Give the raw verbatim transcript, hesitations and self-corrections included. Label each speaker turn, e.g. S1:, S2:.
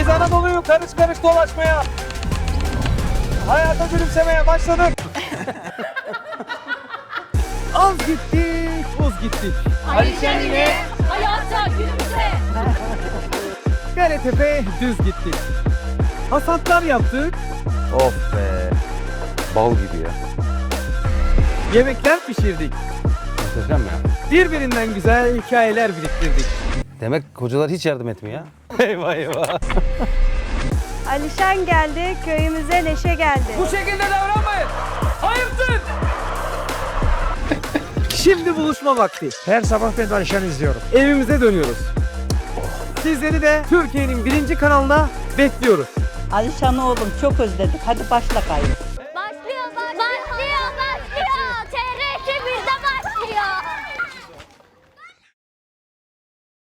S1: Biz Anadolu'yu karış karış dolaşmaya, hayata gülümsemeye başladık.
S2: Az gittik, uz gittik.
S1: Alişan ile
S3: hayata gülümse.
S2: Galetepe düz gittik. Hasatlar yaptık.
S4: Of be. Bal gibi ya.
S2: Yemekler pişirdik.
S4: Muhteşem ya.
S2: Birbirinden güzel hikayeler biriktirdik.
S4: Demek kocalar hiç yardım etmiyor ya. Eyvah eyvah.
S5: Alişan geldi, köyümüze neşe geldi.
S2: Bu şekilde davranmayın. Hayırdır? Şimdi buluşma vakti.
S1: Her sabah ben Alişan'ı izliyorum.
S2: Evimize dönüyoruz. Sizleri de Türkiye'nin birinci kanalında bekliyoruz.
S6: Alişan oğlum çok özledik. Hadi başla kayıt.